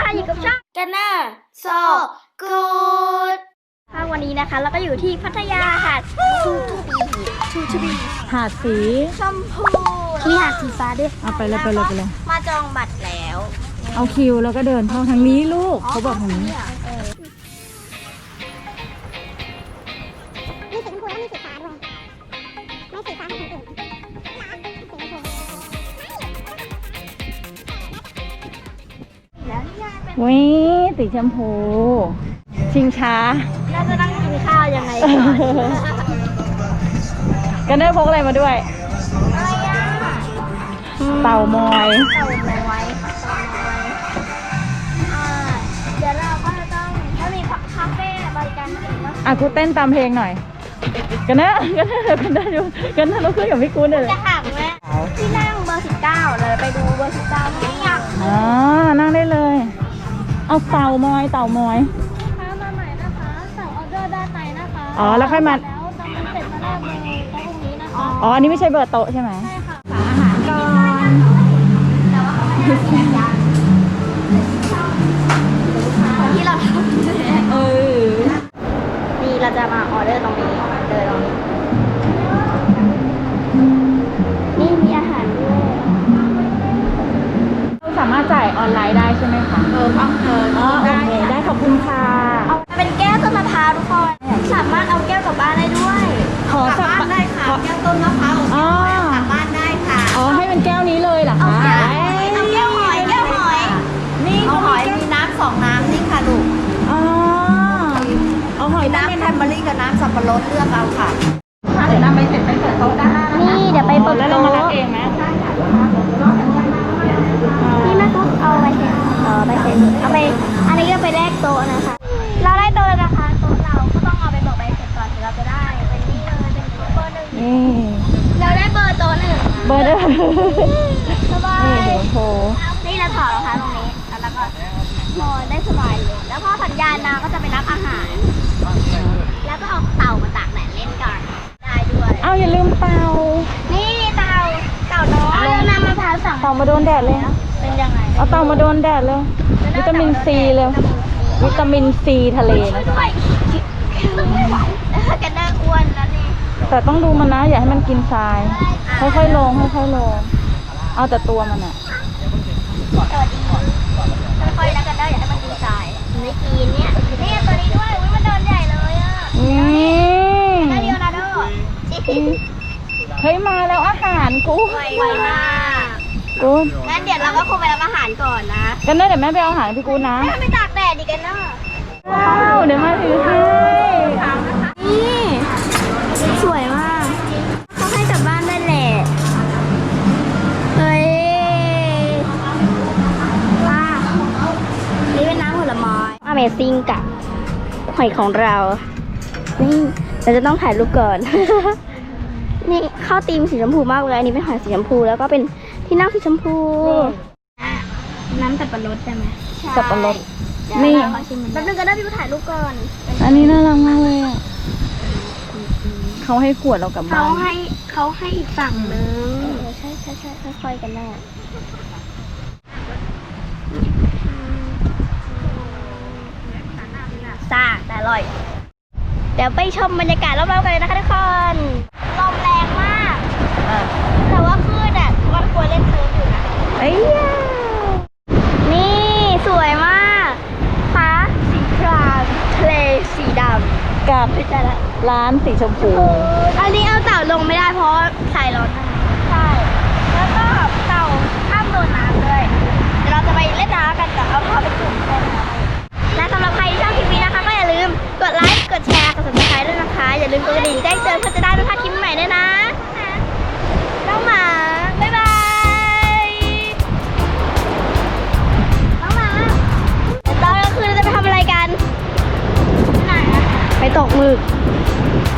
ค่ะอยู่กับช่องกันเนอร์โซกูดค่ะวันนี้นะคะเราก็อยู่ที่พัทยาหาดชูบีหาดสีชมพูมีหาดสีฟ้าด้วยเอาไปเลยมาจองบัตรแล้วเอาคิวแล้วก็เดินเข้าทางนี้ลูกเขาบอกทางนี้มีสีชมพูแล้วมีสีฟ้าด้วยไม่สีฟ้าเหมือนคนอื่นวิสีชมพู ชิงช้าเราจะนั่งกินข้าวยังไงก่อนกันได้พกอะไรมาด้วยอะไรอ่ะเต่ามอยเต่าน้อยเดี๋ยวเราก็จะต้องถ้ามีคาเฟ่บริการเองนะกูเต้นตามเพลงหน่อย กันได้ดูกันได้เราคุยกับพี่กูนเลยจะห่างไหมที่นั่งเบอร์19เลยไปดูเบอร์19ไม่อยากอ๋อนั่งได้เลย เอาเต่ามอยมาใหม่นะคะสั่งออเดอร์ด้านในนะคะอ๋อแล้วค่อยมาแล้วตอนเสร็จมาได้เลยตรงนี้นะคะอ๋ออันนี้ไม่ใช่เบอร์โต๊ะใช่ไหมใช่ค่ะอาหารก่อนที่เราทำนี่เราจะมาออเดอร์ตรงนี้เดินตรงนี้นี่มีอาหารด้วยสามารถจ่ายออนไลน์ได้ใช่ไหมคะอ๋อโอเคได้ขอบคุณค่ะเอาเป็นแก้วต้นมะพร้าวทุกคนสามารถเอาแก้วกลับบ้านได้ด้วยขอสักบ้านได้ค่ะแก้วต้นมะพร้าวอ๋อกลับบ้านได้ค่ะอ๋อให้เป็นแก้วนี้เลยเหรอคะเอาแก้วหอยนี่เอาหอยมีน้ำ2 น้ำนี่ค่ะลูกอ๋อเอาหอยน้ำแทมเบอรี่กับน้ำสับปะรดเลือกเอาค่ะเดี๋ยวนำไปเสร็จไปเปิดโต๊ะด้านหน้านี่เดี๋ยวไปเปิดแล้วเราโต๊ะมารับเองไหมนี่แม่กุ๊กเอาไปเสร็จไปเสร็จเอาไปอันนี้ก็ไปแลกโต๊ะนะคะ เราได้โต๊ะแล้วนะคะโต๊ะเราก็ต้องเอาไปบอกใบเสร็จก่อนถึงเราจะได้เป็นนี่เลยเป็นเบอร์1 นี่เราได้เบอร์โต๊ะ1 เบอร์เด้อสบานี่ยเดี๋ยวโทรนี่เราถอดรองเท้าตรงนี้แล้วก็นอนได้สบายเลยแล้วพอสัญญาณมาก็จะไปรับอาหาร แล้วก็เอาเต่ามาตากแดดเล่นกันได้ด้วยเอาอย่าลืมเต่านี่เต่าน้อยแล้วน้ำมะพร้าวสั่งเต่ามาโดนแดดเลยเป็นยังไงเอาเต่ามาโดนแดดเลยวิตามินซีเลยวิตามินซีทะเลนะด้วยกันน่าอ้วนแล้วนี่แต่ต้องดูมันนะอย่าให้มันกินทรายค่อยๆลงเอาแต่ตัวมันอะสวัสดีค่อยๆแล้วกันได้อย่าให้มันกินทรายไม่กินเนี่ยนี่ตัวนี้ด้วยอุ้ยมันโดนใหญ่เลยอ่ะนี่นาเดียวนาโดเฮ้ยมาแล้วอาหารกูไวมากกูงั้นเดี๋ยวเราก็คงไปรับอาหารก่อนนะกันได้เดี๋ยวแม่ไปเอาอาหารให้พี่กูนะไม่ตากแดดดีกันเนาะว้าวเดี๋ยวมาถือให้นี่สวยมากเขาให้กลับบ้านได้แหละเฮ้ยว้านี่เป็นน้ำผลไม้ Amazing กับหอยของเรานี่เราจะต้องถ่ายรูปก่อน นี่เข้าธีมสีชมพูมากเลยอันนี้เป็นหอยสีชมพูแล้วก็เป็นที่นั่งสีชมพูน้ำสับปะรดใช่ไหมสับปะรดนี่แป๊บนึงก็ได้พี่ถ่ายรูปก่อนอันนี้น่ารักมากเลยอ่ะเขาให้ขวดเรากลับบ้านเขาให้อีกฝั่งนึงใช่ค่อยๆกันแน่ซ่าแต่อร่อย เดี๋ยวไปชมบรรยากาศรอบๆกันเลยนะคะทุกคนลมแรงมากแต่ว่าคลื่นอ่ะมันควรเล่นเซิร์ฟอยู่นะเอ้ยนี่สวยมากฟ้าสีครามทะเลสีดำกับพิจารณาร้านสีชมพูอันนี้เอาเต่าลงไม่ได้เพราะสายร้อนมากใช่ แล้วก็เต่าห้ามโดนน้ำด้วยเดี๋ยวเราจะไปเล่นน้ำกันกับเอาเท้าไปจุ่มเล่นน้ำและสำหรับใครที่ชอบคลิปนี้นะคะก็อย่าลืมกดไลค์ กดแชร์ กด subscribe ด้วยนะคะ อย่าลืมกดกระดิ่งแจ้งเตือนเพื่อจะได้ไม่พลาดคลิปใหม่ด้วยนะน้องหมา บ๊ายบายน้องหมาตอนกลางคืนเราจะไปทำอะไรกันไปตกหมึก